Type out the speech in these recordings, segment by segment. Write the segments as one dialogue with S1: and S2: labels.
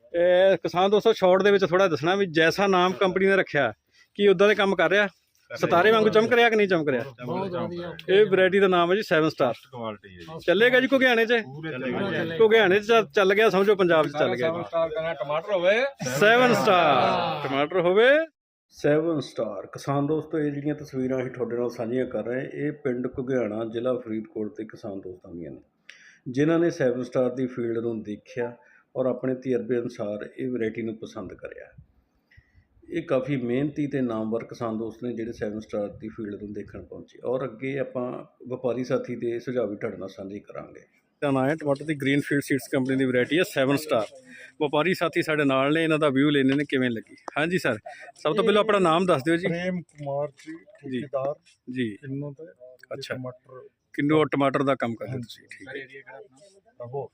S1: ਕਿਸਾਨ ਦੋਸਤੋ ਸ਼ਾਰਟ ਦੇ ਵਿੱਚ ਥੋੜਾ ਦੱਸਣਾ ਵੀ ਜੈਸਾ ਨਾਮ ਕੰਪਨੀ ਨੇ ਰੱਖਿਆ ਕੀ ਉਦਾਂ ਦੇ ਕੰਮ ਕਰ ਰਿਹਾ, ਸਿਤਾਰੇ ਵਾਂਗੂ ਚਮਕ ਰਿਹਾ ਕਿ ਨਹੀਂ ਚਮਕ ਰਿਹਾ। ਇਹ ਵੈਰਾਈਟੀ ਦਾ ਨਾਮ ਹੈ ਜੀ 7 ਸਟਾਰ।
S2: ਕੁਆਲਿਟੀ ਹੈ ਜੀ,
S1: ਚੱਲੇਗਾ ਜੀ ਘੁਗਿਆਣੇ 'ਚ, ਘੁਗਿਆਣੇ 'ਚ ਚੱਲ ਗਿਆ, ਸਮਝੋ ਪੰਜਾਬ 'ਚ ਚੱਲ ਗਿਆ।
S2: ਟਮਾਟਰ ਹੋਵੇ
S1: 7 ਸਟਾਰ ਟਮਾਟਰ ਹੋਵੇ 7 ਸਟਾਰ। ਕਿਸਾਨ ਦੋਸਤੋ ਇਹ ਜਿਹੜੀਆਂ ਤਸਵੀਰਾਂ ਅਸੀਂ ਤੁਹਾਡੇ ਨਾਲ ਸਾਂਝੀਆਂ ਕਰ ਰਹੇ, ਇਹ ਪਿੰਡ ਘੁਗਿਆਣਾ ਜ਼ਿਲ੍ਹਾ ਫਰੀਦਕੋਟ ਦੇ ਕਿਸਾਨ ਦੋਸਤਾਂ ਦੀਆਂ ਨੇ, ਜਿਨ੍ਹਾਂ ਨੇ 7 ਸਟਾਰ ਦੀ ਫੀਲਡ ਨੂੰ ਦੇਖਿਆ ਔਰ ਆਪਣੇ ਤਜਰਬੇ ਅਨੁਸਾਰ ਇਹ ਵੈਰਾਈਟੀ ਨੂੰ ਪਸੰਦ ਕਰਿਆ। ਇਹ ਕਾਫੀ ਮਿਹਨਤੀ ਤੇ ਨਾਮਵਰ ਕਿਸਾਨ ਦੋਸਤ ਨੇ ਜਿਹੜੇ 7 ਸਟਾਰ ਦੀ ਫੀਲਡ ਨੂੰ ਦੇਖਣ ਪਹੁੰਚੇ, ਔਰ ਅੱਗੇ ਆਪਾਂ ਵਪਾਰੀ ਸਾਥੀ ਦੇ ਸੁਝਾਅ ਵੀ ਤੁਹਾਡੇ ਨਾਲ ਸਾਂਝੇ ਕਰਾਂਗੇ। ਤਾਂ ਨਾਂ ਹੈ ਟਮਾਟਰ ਦੀ ਗ੍ਰੀਨਫੀਲਡ ਸੀਡਸ ਕੰਪਨੀ ਦੀ ਵੈਰਾਈਟੀ ਹੈ 7 ਸਟਾਰ। ਵਪਾਰੀ ਸਾਥੀ ਸਾਡੇ ਨਾਲ ਨੇ, ਇਹਨਾਂ ਦਾ ਵਿਊ ਲੈਣੇ ਨੇ ਕਿਵੇਂ ਲੱਗੀ। ਹਾਂਜੀ ਸਰ, ਸਭ ਤੋਂ ਪਹਿਲਾਂ ਆਪਣਾ ਨਾਮ ਦੱਸ ਦਿਓ ਜੀ।
S3: ਪ੍ਰੇਮ ਕੁਮਾਰ ਜੀ, ਠੇਕੇਦਾਰ
S1: ਜੀ
S3: ਕਿੰਨੂ ਤੇ
S1: ਅੱਛਾ,
S3: ਟਮਾਟਰ
S1: ਕਿੰਨੂ ਟਮਾਟਰ ਦਾ ਕੰਮ ਕਰਦੇ ਤੁਸੀਂ, ਠੀਕ ਹੈ।
S2: ਏਰੀਆ ਕਿਹੜਾ ਆਪਣਾ?
S3: ਰਹੋ।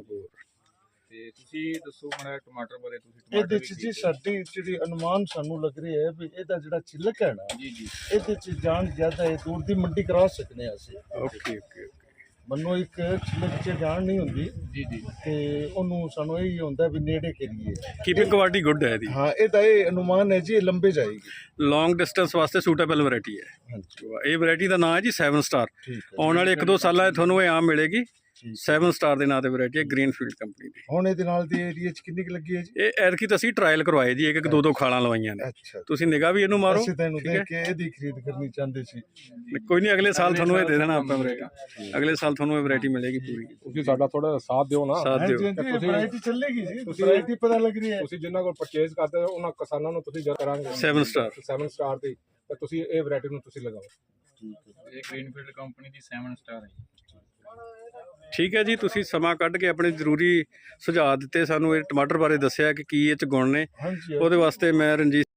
S2: ਤੇ ਤੁਸੀਂ ਦੱਸੋ ਮਾੜਾ ਟਮਾਟਰ ਬਾਰੇ। ਤੁਸੀਂ
S3: ਇਹਦੇ ਚ ਜੀ ਸਾਡੀ ਜਿਹੜੀ ਅਨੁਮਾਨ ਸਾਨੂੰ ਲੱਗ ਰਹੀ ਹੈ ਵੀ ਇਹਦਾ ਜਿਹੜਾ ਛਿਲਕ ਹੈ ਨਾ,
S2: ਜੀ ਜੀ
S3: ਇਹਦੇ ਚ ਜਾਣ ਜ਼ਿਆਦਾ ਇਹ ਦੂਰ ਦੀ ਮੰਡੀ ਕਰਾ ਸਕਨੇ ਅਸੀਂ।
S1: ਓਕੇ ਓਕੇ
S3: ਮੈਨੂੰ ਇੱਕ ਛਿਲਕ ਚ ਜਾਣ ਨਹੀਂ ਹੁੰਦੀ
S2: ਜੀ ਜੀ
S3: ਤੇ ਉਹਨੂੰ ਸਾਨੂੰ ਇਹ ਹੁੰਦਾ ਵੀ ਨੇੜੇ ਕਰੀਏ।
S1: ਕੀਪਿੰਗ ਕੁਆਲਿਟੀ ਗੁੱਡ ਹੈ ਇਹਦੀ,
S3: ਹਾਂ, ਇਹਦਾ ਇਹ ਅਨੁਮਾਨ ਹੈ ਜੀ, ਇਹ ਲੰਬੇ ਜਾਏਗੀ।
S1: ਲੌਂਗ ਡਿਸਟੈਂਸ ਵਾਸਤੇ ਸੂਟੇਬਲ ਵੈਰਾਈਟੀ ਹੈ।
S3: ਹਾਂਜੀ
S1: ਇਹ ਵੈਰਾਈਟੀ ਦਾ ਨਾਮ ਹੈ ਜੀ 7 ਸਟਾਰ।
S3: ਠੀਕ ਹੈ।
S1: ਆਉਣ ਵਾਲੇ 1-2 ਸਾਲਾਂ 'ਚ ਤੁਹਾਨੂੰ ਇਹ ਆਮ ਮਿਲੇਗੀ।
S3: ਠੀਕ।
S1: 7 ਸਟਾਰ ਦੇ ਨਾਂ ਤੇ ਵੈਰਾਈਟੀ ਹੈ ਗ੍ਰੀਨਫੀਲਡ ਕੰਪਨੀ ਦੀ।
S3: ਹੁਣ ਇਹਦੇ ਨਾਲ ਦੀ ਏਰੀਆ ਚ ਕਿੰਨੀ ਕੁ ਲੱਗੀ ਹੈ ਜੀ?
S1: ਇਹ ਐਤਕੀ ਤਾਂ ਅਸੀਂ ਟਰਾਇਲ ਕਰਵਾਏ ਜੀ, ਇੱਕ 2-2 ਖਾਲਾਂ ਲਵਾਈਆਂ ਨੇ।
S3: ਅੱਛਾ,
S1: ਤੁਸੀਂ ਨਿਗਾਹ ਵੀ ਇਹਨੂੰ ਮਾਰੋ,
S3: ਅਸੀਂ ਤਾਂ ਇਹਨੂੰ
S1: ਠੀਕ ਹੈ।
S3: ਦੇਖ ਕੇ ਇਹਦੀ ਖਰੀਦ ਕਰਨੀ ਚਾਹੁੰਦੇ ਸੀ।
S1: ਕੋਈ ਨਹੀਂ, ਅਗਲੇ ਸਾਲ ਤੁਹਾਨੂੰ ਇਹ ਦੇ ਦੇਣਾ ਆਪਾਂ ਵੈਰਾਈਟੀ। ਅਗਲੇ ਸਾਲ ਤੁਹਾਨੂੰ ਇਹ ਵੈਰਾਈਟੀ ਮਿਲੇਗੀ ਪੂਰੀ।
S4: ਤੁਸੀਂ ਸਾਡਾ ਥੋੜਾ ਸਾਥ ਦਿਓ ਨਾ।
S1: ਸਾਥ ਦਿਓ।
S3: ਵੈਰਾਈਟੀ ਚੱਲੇਗੀ ਜੀ, ਵੈਰਾਈਟੀ ਪਤਾ ਲੱਗ ਰਹੀ ਹੈ।
S4: ਤੁਸੀਂ ਜਿਨ੍ਹਾਂ ਕੋਲ ਪਰਚੇਜ਼ ਕਰਦੇ ਹੋ ਉਹਨਾਂ ਕਿਸਾਨਾਂ ਨੂੰ ਤੁਸੀਂ ਜਰ ਕਰਾਂਗੇ
S1: 7 ਸਟਾਰ
S4: 7 ਸਟਾਰ ਦੀ, ਤੇ ਤੁਸੀਂ ਇਹ ਵੈਰਾਈਟੀ ਨੂੰ ਤੁਸੀਂ ਲਗਾਓ।
S2: ਇਹ ਗ੍ਰੀਨਫੀਲਡ ਕੰਪਨੀ ਦੀ 7 ਸਟਾਰ ਹੈ।
S1: ਠੀਕ ਹੈ ਜੀ, ਤੁਸੀਂ ਸਮਾਂ ਕੱਢ ਕੇ ਆਪਣੇ ਜ਼ਰੂਰੀ ਸੁਝਾਅ ਦਿੱਤੇ, ਸਾਨੂੰ ਇਹ ਟਮਾਟਰ ਬਾਰੇ ਦੱਸਿਆ ਕਿ ਕੀ ਇਹ 'ਚ ਗੁਣ ਨੇ।
S3: ਹਾਂਜੀ।
S1: ਉਹਦੇ ਵਾਸਤੇ ਮੈਂ ਰਣਜੀਤ